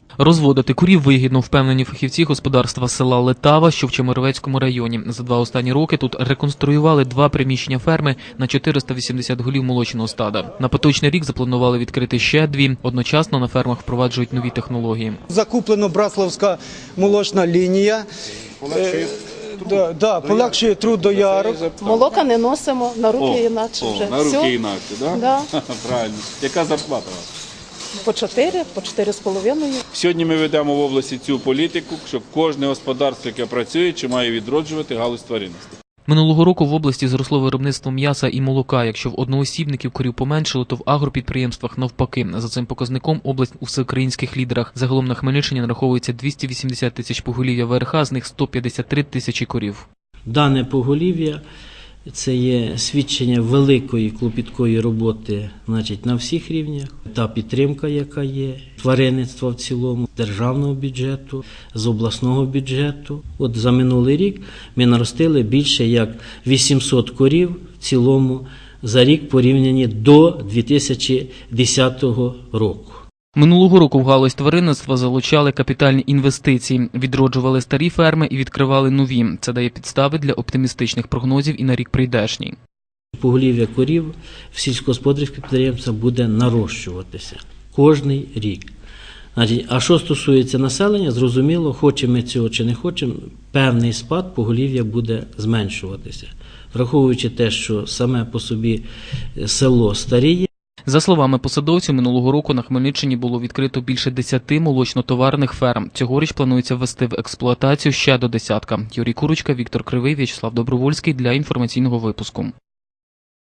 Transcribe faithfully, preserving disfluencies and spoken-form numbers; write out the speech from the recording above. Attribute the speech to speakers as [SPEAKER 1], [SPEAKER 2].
[SPEAKER 1] Розводити курів вигідно, впевнені фахівці господарства села Летава, що в Чемеровецькому районі. За два останні роки тут реконструювали два приміщення ферми на чотириста вісімдесят голів молочного стада. На поточний рік запланували відкрити ще дві. Одночасно на фермах впроваджують нові технології.
[SPEAKER 2] Закуплено Браславська молочна лінія.
[SPEAKER 3] Полегшує
[SPEAKER 2] Да, да, полегшує труд доярок.
[SPEAKER 4] Молока не носимо, на руки інакше вже.
[SPEAKER 3] О, на руки
[SPEAKER 4] Все.
[SPEAKER 3] інакше, да?
[SPEAKER 4] Да.
[SPEAKER 3] Правильно. Яка зарплата у вас?
[SPEAKER 4] По чотири, по чотири з половиною.
[SPEAKER 3] Сьогодні ми ведемо в області цю політику, щоб кожне господарство, яке працює, чи має відроджувати галузь тваринності.
[SPEAKER 1] Минулого року в області зросло виробництво м'яса і молока. Якщо в одноосібників корів поменшило, то в агропідприємствах навпаки. За цим показником область у всеукраїнських лідерах. Загалом на Хмельниччині нараховується двісті вісімдесят тисяч поголів'я ВРХ, з них сто п'ятдесят три тисячі корів.
[SPEAKER 5] Дане поголів'я – це є свідчення великої клопіткої роботи, значить, на всіх рівнях. Та підтримка, яка є, тваринництва в цілому, державного бюджету, з обласного бюджету. От за минулий рік ми наростили більше як вісімсот корів в цілому за рік порівняні до дві тисячі десятого року.
[SPEAKER 1] Минулого року в галузь тваринництва залучали капітальні інвестиції, відроджували старі ферми і відкривали нові. Це дає підстави для оптимістичних прогнозів і на рік прийдешній.
[SPEAKER 5] Поголів'я корів в сільськогосподарських підприємствах буде нарощуватися кожний рік. Значить, а що стосується населення, зрозуміло, хочемо ми цього чи не хочемо, певний спад поголів'я буде зменшуватися. Враховуючи те, що саме по собі село старіє.
[SPEAKER 1] За словами посадовців, минулого року на Хмельниччині було відкрито більше десяти молочно-товарних ферм. Цьогоріч планується ввести в експлуатацію ще до десятка. Юрій Курочка, Віктор Кривий, В'ячеслав Добровольський для інформаційного випуску.